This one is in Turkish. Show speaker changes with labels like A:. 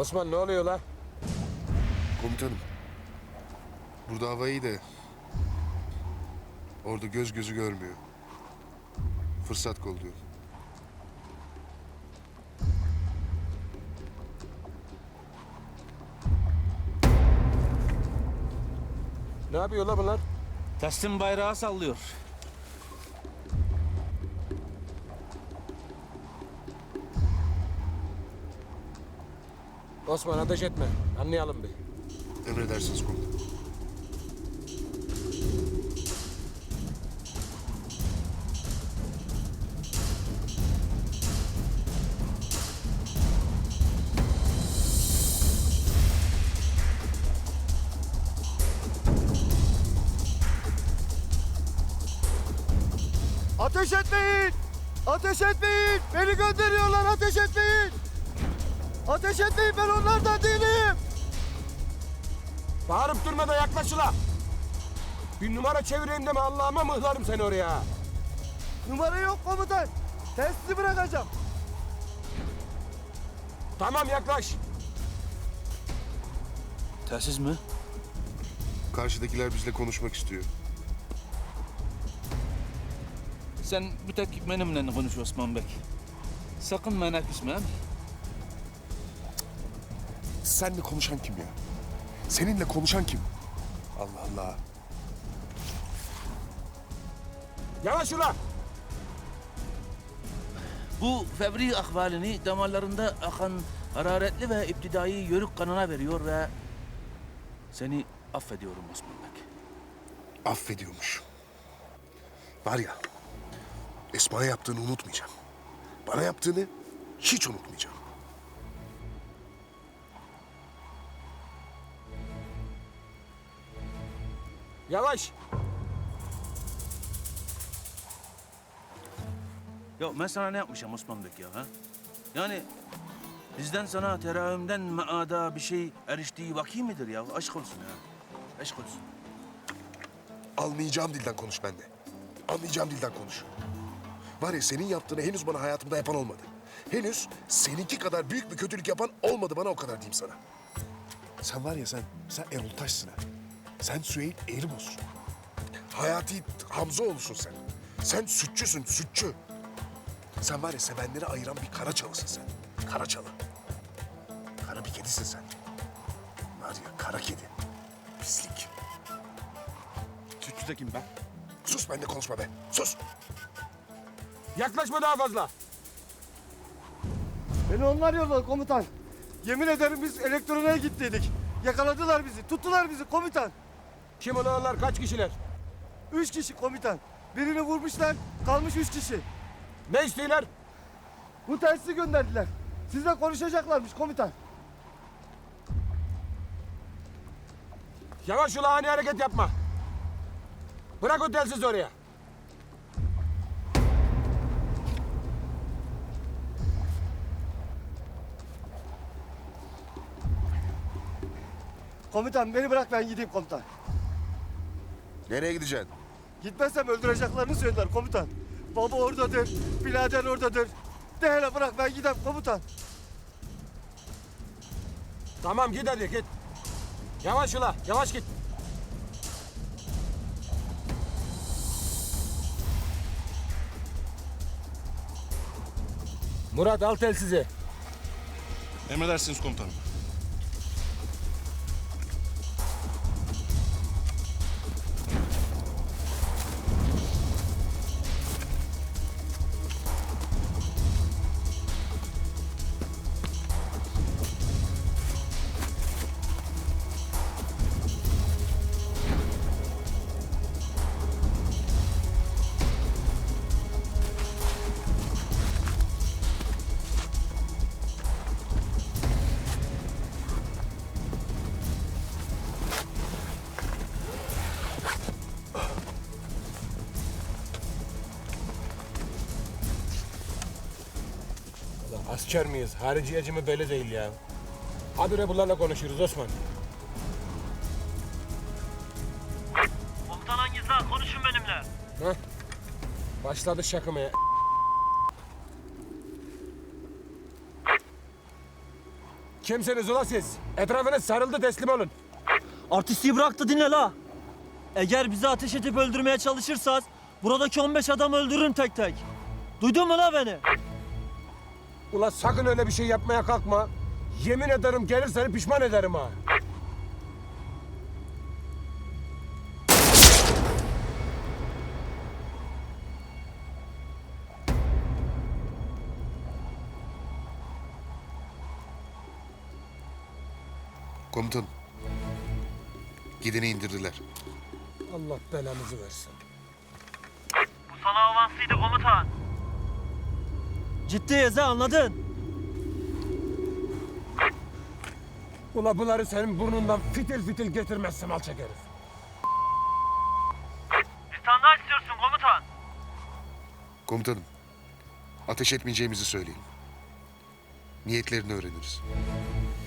A: Osman ne oluyor la?
B: Komutanım. Burada hava iyi de orada göz gözü görmüyor. Fırsat kolluyor.
A: Ne yapıyor la bunlar?
C: Teslim bayrağı sallıyor.
A: Osman ateş etme. Anlayalım bir.
B: Emredersiniz komutanım.
D: Ateş etmeyin! Ateş etmeyin! Beni gönderiyorlar, ateş etmeyin! Ateş etmeyin, ben onlardan değilim!
A: Bağırıp durma da yaklaş ula. Bir numara çevireyim deme Allah'ıma mıhlarım seni oraya.
D: Numara yok komutan. Testi bırakacağım.
A: Tamam yaklaş.
C: Telsiz mi?
B: Karşıdakiler bizle konuşmak istiyor.
C: Sen bir tek benimle konuş Osman Bey. Sakın bana küsme.
B: Seninle konuşan kim ya? Seninle konuşan kim? Allah Allah.
A: Yavaş ula.
C: Bu fevri ahvalini damarlarında akan hararetli ve iptidai yörük kanına veriyor ve seni affediyorum Osman Bey.
B: Affediyormuş. Var ya, Esma'ya yaptığını unutmayacağım. Bana yaptığını hiç unutmayacağım.
A: Yavaş.
C: Ya ben sana ne yapmışım Osman Bey ya ha? Yani bizden sana terahümden maada bir şey eriştiği vaki midir ya? Aşk olsun ya. Aşk olsun.
B: Almayacağım dilden konuş bende. Anlayacağım dilden konuş. Var ya senin yaptığını henüz bana hayatımda yapan olmadı. Henüz seninki kadar büyük bir kötülük yapan olmadı bana o kadar diyeyim sana. Sen var ya sen Erol Taş'sın ha. Sen Süheyl Erimos'sun. Hayati Hamzaoğlu'sun sen. Sen sütçüsün, sütçü. Sen var ya sevenleri ayıran bir Karaçalısın sen. Karaçalı. Kara bir kedisin sen. Var ya kara kedi. Pislik.
A: Sütçü de kim be?
B: Sus benimle konuşma be. Sus.
A: Yaklaşma daha fazla.
D: Beni onlar yolladı komutan. Yemin ederim biz elektroniğe gittiydik. Yakaladılar bizi, tuttular bizi komutan.
A: Kim olanlar kaç kişiler?
D: 3 kişi komutan. Birini vurmuşlar, kalmış 3 kişi.
A: Ne istiyorlar?
D: Bu telsizi gönderdiler. Sizle konuşacaklarmış komutan.
A: Yavaş ula ani hareket yapma. Bırak o telsizi oraya.
D: Komutan beni bırak ben gideyim komutan.
B: Nereye gideceksin?
D: Gitmezsem öldüreceklerini söylediler komutan. Baba oradadır, birader oradadır. De hele bırak ben gideyim komutan.
A: Tamam git hadi git. Yavaş ula yavaş git. Murat al telsizi.
E: Emredersiniz komutanım.
A: Asker miyiz? Hariciyeci mi belli değil ya. Habire bunlarla konuşuyoruz Osman.
F: Komutan hangisi ha? Konuşun benimle.
A: Heh. Başladı şakımaya. Kimsiniz ula siz? Etrafınız sarıldı, teslim olun.
D: Artistliği bırak da dinle la. Eğer bizi ateş edip öldürmeye çalışırsanız buradaki 15 adam öldürürüm tek tek. Duydun mu la beni?
A: Ula sakın öyle bir şey yapmaya kalkma. Yemin ederim gelir seni pişman ederim ha.
B: Komutanım. Gideni indirdiler.
A: Allah belanızı versin.
D: Bu sana avansıydı komutan. Ciddiyiz ha, anladın?
A: Ula bunları senin burnundan fitil fitil getirmezsem alçak herif.
D: Bir tane daha istiyorsun komutan.
B: Komutanım. Ateş etmeyeceğimizi söyleyin. Niyetlerini öğreniriz.